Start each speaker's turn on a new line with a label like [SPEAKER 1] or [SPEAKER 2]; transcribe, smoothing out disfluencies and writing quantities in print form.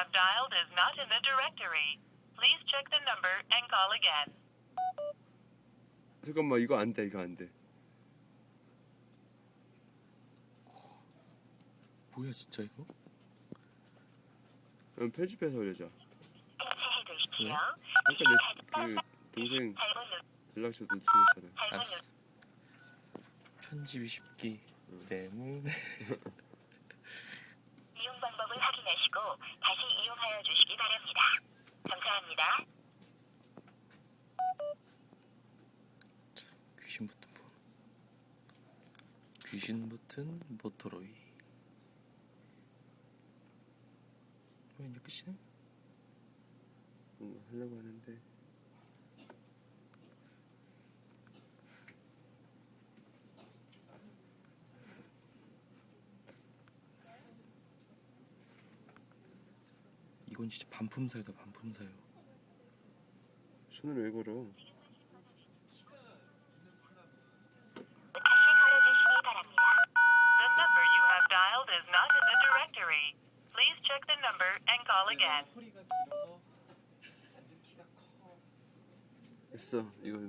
[SPEAKER 1] have dialed is not in the directory. Please check the number and call again.
[SPEAKER 2] 잠깐만, 이거 안 돼, 이거 안 돼.
[SPEAKER 3] 뭐야 진짜 이거?
[SPEAKER 2] 그럼 편집해서 올려줘.
[SPEAKER 1] 해주십시오.
[SPEAKER 2] 아까 내 동생 연락처도 틀렸잖아.
[SPEAKER 3] 알았어. 편집이 쉽기 때문에.
[SPEAKER 1] 이용 방법을 확인하시고 다시 이용하여 주시기 바랍니다. 감사합니다.
[SPEAKER 3] 귀신 버튼 폰. 귀신 버튼 모토로이. 뭐 이제 끝이네?
[SPEAKER 2] 하려고 하는데.
[SPEAKER 3] 이건 진짜 반품사유다 반품사유.
[SPEAKER 2] 손을 왜 걸어?
[SPEAKER 1] 다시 걸어주시기 바랍니다. The number you have dialed is not in the directory. Please check the number and call again.
[SPEAKER 2] 했어. 이거